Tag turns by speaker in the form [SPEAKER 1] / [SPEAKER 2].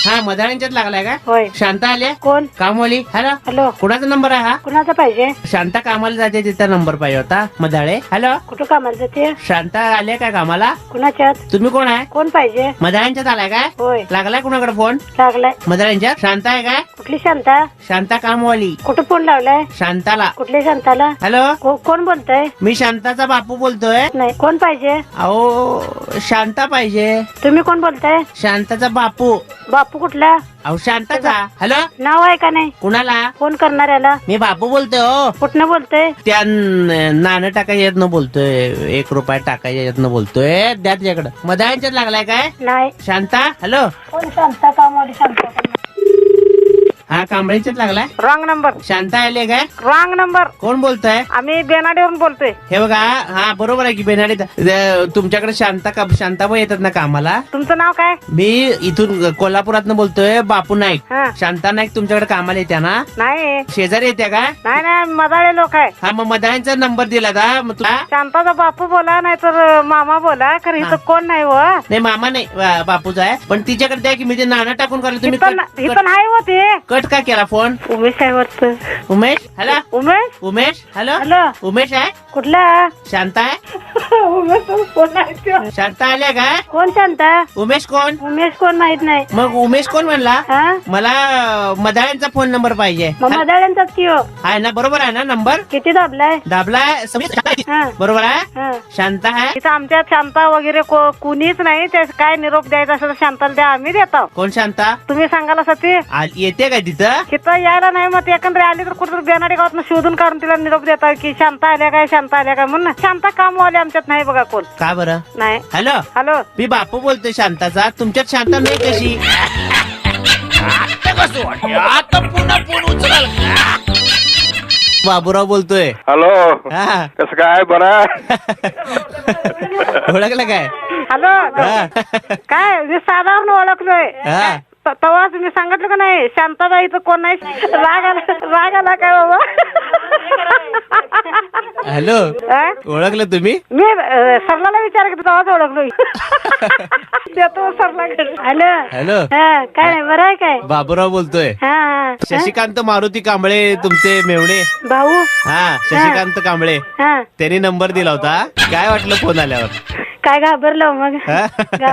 [SPEAKER 1] हा मदाळ्यांच्यात लागलाय का?
[SPEAKER 2] होय.
[SPEAKER 1] शांता आल्या?
[SPEAKER 2] कोण?
[SPEAKER 1] कामवाली. Hello
[SPEAKER 2] hello.
[SPEAKER 1] कुणाचा नंबर आहे हा?
[SPEAKER 2] कुणाचा पाहिजे?
[SPEAKER 1] शांता कामाला जाते तिचा नंबर पाहिजे होता. मदाळे. हॅलो
[SPEAKER 2] कुठं कामाला जाते?
[SPEAKER 1] शांता आले काय कामाला?
[SPEAKER 2] कुणाच्यात?
[SPEAKER 1] तुम्ही कोण आहे?
[SPEAKER 2] कोण पाहिजे?
[SPEAKER 1] मदाळ्यांच्यात आलाय काय?
[SPEAKER 2] होय.
[SPEAKER 1] लागलाय कुणाकडे फोन?
[SPEAKER 2] लागलाय.
[SPEAKER 1] मदाळ्यांच्यात. शांता आहे काय?
[SPEAKER 2] कुठली शांता?
[SPEAKER 1] शांता कामवाली.
[SPEAKER 2] कुठं फोन लावलाय?
[SPEAKER 1] शांताला.
[SPEAKER 2] कुठल्या शांताला?
[SPEAKER 1] हॅलो
[SPEAKER 2] कोण बोलतय?
[SPEAKER 1] मी शांताचा बापू बोलतोय.
[SPEAKER 2] नाही. कोण पाहिजे?
[SPEAKER 1] अहो शांता पाहिजे.
[SPEAKER 2] तुम्ही कोण बोलताय?
[SPEAKER 1] शांताचा बापू.
[SPEAKER 2] बापू कुठला?
[SPEAKER 1] अहो शांताचा. हॅलो
[SPEAKER 2] नाव आहे का नाही?
[SPEAKER 1] कुणाला?
[SPEAKER 2] फोन करणाऱ्याला?
[SPEAKER 1] मी बापू बोलतोय. हो
[SPEAKER 2] कुठनं बोलतोय?
[SPEAKER 1] त्या नाणं टाकायच्या यातनं बोलतोय. 1 रुपया टाकायच्या यातनं बोलतोय. द्या तुझ्याकडं. मदाळ्यांच्यात लागलाय काय?
[SPEAKER 2] नाही.
[SPEAKER 1] शांता. हॅलो
[SPEAKER 2] कोण शांता? कामवाली शांता.
[SPEAKER 1] हा कांबळीच्यात लागलाय.
[SPEAKER 2] Wrong number.
[SPEAKER 1] शांता आले काय?
[SPEAKER 2] Wrong number.
[SPEAKER 1] कोण बोलतोय?
[SPEAKER 2] आम्ही बेनाडीवरून बोलतोय.
[SPEAKER 1] हे बघा. हा बरोबर आहे की बेनाडी. तुमच्याकडे शांताबाई येतात ना कामाला?
[SPEAKER 2] तुमचं नाव काय?
[SPEAKER 1] मी इथून कोल्हापुरातनं बोलतोय. बापू नाईक.
[SPEAKER 2] हा.
[SPEAKER 1] शांता नाईक तुमच्याकडे कामाला येत्या ना?
[SPEAKER 2] नाही
[SPEAKER 1] शेजारी येत्या का?
[SPEAKER 2] नाही मदाळे लोक आहे.
[SPEAKER 1] हा मग मदाळ्यांचा नंबर दिला का? मग तुला
[SPEAKER 2] शांताचा बापू बोला नाही तर मामा बोला. खरं इथं कोण नाही व.
[SPEAKER 1] नाही मामा नाही बापूचा आहे. पण तिच्याकडे द्या की मी ते नाणं टाकून करतो. तुम्ही
[SPEAKER 2] इथं नाही होते.
[SPEAKER 1] कट का केला फोन?
[SPEAKER 2] उमेश आहे वाटतं.
[SPEAKER 1] Umesh. Hello
[SPEAKER 2] Umesh.
[SPEAKER 1] Umesh. Hello
[SPEAKER 2] hello.
[SPEAKER 1] Umesh आहे?
[SPEAKER 2] कुठला?
[SPEAKER 1] शांता आहे?
[SPEAKER 2] उमेश कोण आहे?
[SPEAKER 1] शांता आल्या का?
[SPEAKER 2] कोण शांता?
[SPEAKER 1] उमेश कोण?
[SPEAKER 2] उमेश कोण माहित नाही.
[SPEAKER 1] मग उमेश कोण म्हणला?
[SPEAKER 2] हा
[SPEAKER 1] मला मदाळ्यांचा फोन नंबर पाहिजे.
[SPEAKER 2] मग मदाळ्यांचाच की हो.
[SPEAKER 1] आहे ना? बरोबर आहे ना नंबर?
[SPEAKER 2] किती दाबलाय?
[SPEAKER 1] दाबलाय.
[SPEAKER 2] हा.
[SPEAKER 1] बरोबर आहे.
[SPEAKER 2] हा.
[SPEAKER 1] शांता आहे.
[SPEAKER 2] इथं आमच्यात शांता वगैरे कुणीच नाही. ते काय निरोप द्यायचा असेल तर शांताला द्या. आम्ही देतो.
[SPEAKER 1] कोण शांता?
[SPEAKER 2] तुम्ही सांगाल सती.
[SPEAKER 1] येते काय तिथं?
[SPEAKER 2] तिथं यायला नाही. मग ते एकंदरी आली तर कुठं बेनाडी गावात शोधून काढून तिला निरोप देता की शांता आल्या काय शांता आल्या काय म्हणून. शांता कामवाले आमच्यात नाही बघा कोण.
[SPEAKER 1] का बरं?
[SPEAKER 2] नाही.
[SPEAKER 1] Hello
[SPEAKER 2] hello.
[SPEAKER 1] मी बापू बोलतोय शांताचा. तुमच्यात शांता नाही कशी? बाबूराव बोलतोय.
[SPEAKER 3] हॅलो.
[SPEAKER 1] हा
[SPEAKER 3] कसं काय? बरं.
[SPEAKER 1] ओळखलं काय?
[SPEAKER 2] हॅलो.
[SPEAKER 1] हा.
[SPEAKER 2] काय मी साधारण ओळखलोय.
[SPEAKER 1] हा.
[SPEAKER 2] तेव्हा तुम्ही सांगितलं का नाही शांताबाई इथं कोण नाही. राग आला काय बाबा?
[SPEAKER 1] हॅलो
[SPEAKER 2] हा?
[SPEAKER 1] ओळखलं तुम्ही?
[SPEAKER 2] मी सरलाला विचार की तेव्हाच ओळखलो. देतो सरला. हॅलो.
[SPEAKER 1] हॅलो
[SPEAKER 2] हा काय नाही बरं आहे काय?
[SPEAKER 1] बाबूराव बोलतोय.
[SPEAKER 2] हा
[SPEAKER 1] शशिकांत मारुती कांबळे तुमचे मेवणे.
[SPEAKER 2] भाऊ.
[SPEAKER 1] हा शशिकांत कांबळे.
[SPEAKER 2] हा
[SPEAKER 1] त्यांनी नंबर दिला होता. काय वाटलं फोन आल्यावर?
[SPEAKER 2] काय घाबरलो मग.
[SPEAKER 1] हा?